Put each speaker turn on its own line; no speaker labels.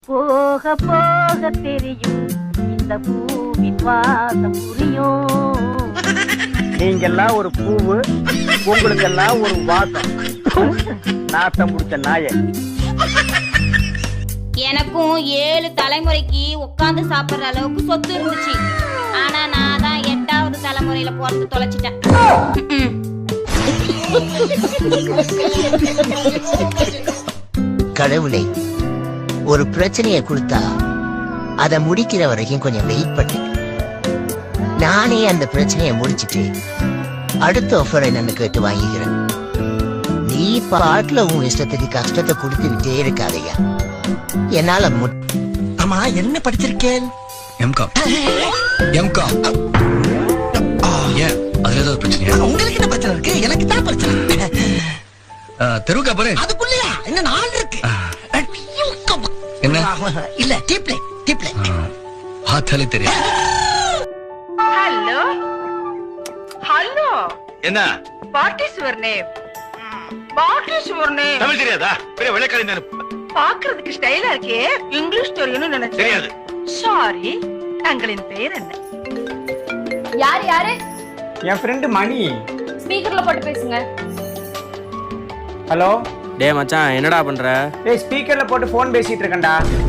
போக போக தெரியும் இந்த பூவின் வாசம் புரியும்.
நீங்கெல்லாம் ஒரு பூவு, உங்களுக்கெல்லாம் ஒரு வாசம். நாத்தம் முடிச்ச நாய.
எனக்கும் 7 தலைமுறைக்கு உட்காந்து சாப்பிடுற அளவுக்கு சொத்து இருந்துச்சு. ஆனா நான் தான் 8வது தலைமுறையில பிறந்து தொலைச்சிட்டேன்.
கடவுளை ஒரு பிரச்சனையை கொடுத்தா அதை முடிக்கிற வரைக்கும் கொஞ்சம் வெயிட் பண்ணு. நானே அந்த பிரச்சனையை முடிச்சிட்டு அடுத்த ஆஃபரை நான் கேட்டு வாங்கிக்கிறேன். நீ பாட்டுல உன் இஷ்டத்துக்கு கஷ்டத்தை கொடுத்துக்கிட்டே இருக்காதையா. என்னால
ஆமா என்ன படிச்சிருக்கேன்?
எம்காம். எம்காம். ஏன் அதுல ஏதாவது பிரச்சனையா?
உங்களுக்கு என்ன பிரச்சனை இருக்கு? எனக்கு தான் பிரச்சனை.
தெருவுக்கா பாரு.
அதுக்குள்ளயா என்ன 4 இருக்கு?
என்ன?
இல்ல டீப்லே டீப்லே.
பார்த்தாலே தெரியும்.
ஹலோ ஹலோ,
என்ன?
What is your name? What is your name?
Tamil தெரியாதா? பெரிய வெள்ளைக்காரி தானே.
பாக்குறதுக்கு ஸ்டைலா இருக்கே, இங்கிலீஷ் தெரியும்னு நினைச்சேன்.
தெரியாது.
சாரி, தங்களின் பெயர் என்ன?
யார் யாரு?
என் ஃப்ரெண்டு மணி.
ஸ்பீக்கர்ல போட்டு பேசுங்க.
ஹலோ.
டே மச்சான், என்னடா பண்ற?
டேய், ஸ்பீக்கர்ல போட்டு போன் பேசிட்டு இருக்கேன்டா.